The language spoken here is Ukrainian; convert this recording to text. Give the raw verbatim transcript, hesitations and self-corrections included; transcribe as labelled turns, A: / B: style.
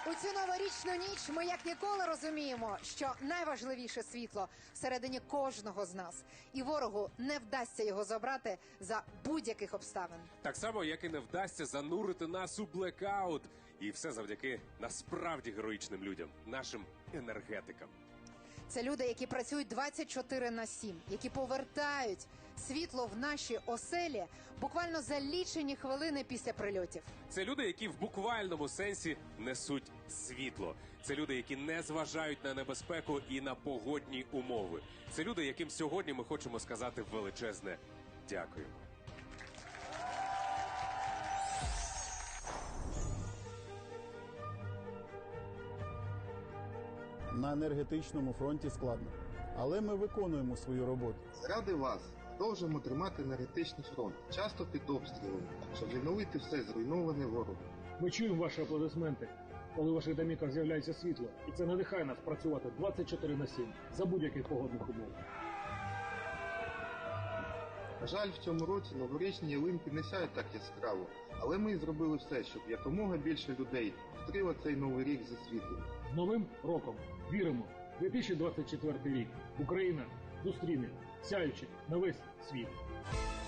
A: У цю новорічну ніч ми як ніколи розуміємо, що найважливіше світло всередині кожного з нас. І ворогу не вдасться його забрати за будь-яких обставин.
B: Так само, як і не вдасться занурити нас у блекаут. І все завдяки насправді героїчним людям, нашим енергетикам.
A: Це люди, які працюють двадцять чотири на сім, які повертають світло в наші оселі буквально за лічені хвилини після прильотів.
B: Це люди, які в буквальному сенсі несуть світло. Це люди, які не зважають на небезпеку і на погодні умови. Це люди, яким сьогодні ми хочемо сказати величезне дякуємо.
C: На енергетичному фронті складно, але ми виконуємо свою роботу.
D: Заради вас продовжуємо тримати енергетичний фронт, часто під обстрілами, щоб відновити все зруйноване ворогом.
E: Ми чуємо ваші аплодисменти, коли в ваших домівках з'являється світло. І це надихає нас працювати двадцять чотири на сім за будь-яких погодних умов.
D: На жаль, в цьому році новорічні ялинки не сяють так яскраво, але ми зробили все, щоб якомога більше людей зустріло цей новий рік зі світлом.
E: З Новим роком! Віримо! дві тисячі двадцять четвертий рік Україна зустріне сяючи на весь світ.